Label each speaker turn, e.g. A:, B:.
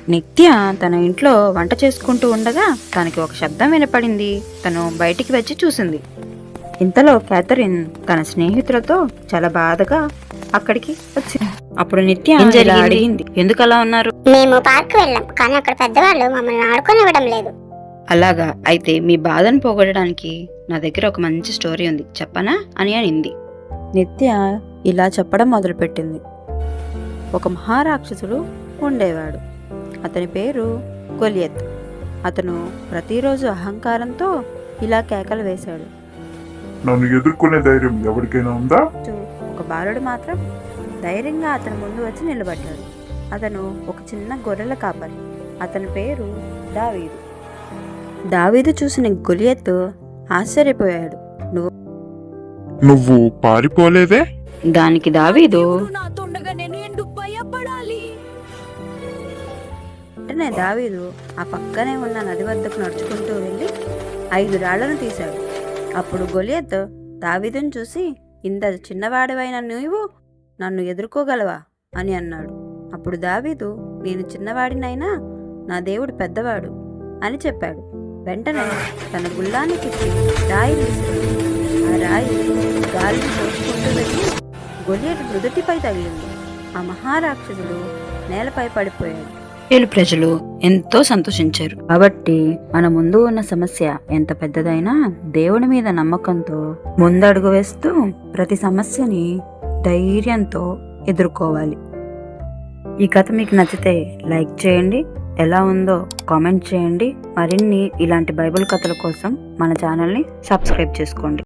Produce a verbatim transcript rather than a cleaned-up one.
A: నిత్య తన ఇంట్లో వంట చేసుకుంటూ ఉండగా తనకి ఒక శబ్దం వినపడింది. తను బయటికి వచ్చి చూసింది. ఇంతలో క్యాథరిన్ తన స్నేహితులతో చాలా బాధగా అక్కడికి వచ్చింది. అప్పుడు నిత్య
B: ఏం
A: ఇలా
B: జరిగింది?
A: అడిగింది, ఎందుకు అలా ఉన్నారు?
C: మేము పార్క్ వెళ్ళాం, కానీ అక్కడ పెద్దవాళ్ళు మమ్మల్ని ఆడుకోనివ్వడం లేదు.
A: అలాగా, అయితే మీ బాధను పోగొట్టడానికి నా దగ్గర ఒక మంచి స్టోరీ ఉంది, చెప్పనా అని అనింది. నిత్య ఇలా చెప్పడం మొదలుపెట్టింది. ఒక మహారాక్షసుడు ఉండేవాడు. అతని పేరు గొలియత్. అతను ప్రతిరోజు అహంకారంతో ఇలా కేకలు వేశాడు.
D: నన్ను ఎదుర్కొనే ధైర్యం ఎవరికైనా ఉందా?
A: ఒక బాలుడు మాత్రం ధైర్యంగా అతని ముందు వచ్చి నిలబడ్డాడు. అతను ఒక చిన్న గొర్రెల కాపరి. అతని పేరు దావీదు. దావీదు చూసిన గొలియత్ ఆశ్చర్యపోయాడు. నువ్వు
D: నువ్వు పారిపోలేదే?
A: దానికి దావీదు వెంటనే దావీదు ఆ పక్కనే ఉన్న నది వద్దకు నడుచుకుంటూ వెళ్ళి ఐదు రాళ్లను తీశాడు. అప్పుడు గొలియత్ దావీదును చూసి, ఇంత చిన్నవాడివైన నీవు నన్ను ఎదుర్కోగలవా అని అన్నాడు. అప్పుడు దావీదు, నేను చిన్నవాడినైనా నా దేవుడు పెద్దవాడు అని చెప్పాడు. వెంటనే తన గుల్లాన్ని తిప్పి రాయి విసిరాడు. ఆ రాయి గాలిని తోసుకుంటూ వెళ్ళి గొలియత్ నుదుటిపై తగిలింది. ఆ మహారాక్షసుడు నేలపై పడిపోయాడు. ఏలు ప్రజలు ఎంతో సంతోషించారు. కాబట్టి మన ముందు ఉన్న సమస్య ఎంత పెద్దదైనా దేవుని మీద నమ్మకంతో ముందడుగు వేస్తూ ప్రతి సమస్యని ధైర్యంతో ఎదుర్కోవాలి. ఈ కథ మీకు నచ్చితే లైక్ చేయండి, ఎలా ఉందో కామెంట్ చేయండి. మరిన్ని ఇలాంటి బైబిల్ కథల కోసం మన ఛానల్ని సబ్స్క్రైబ్ చేసుకోండి.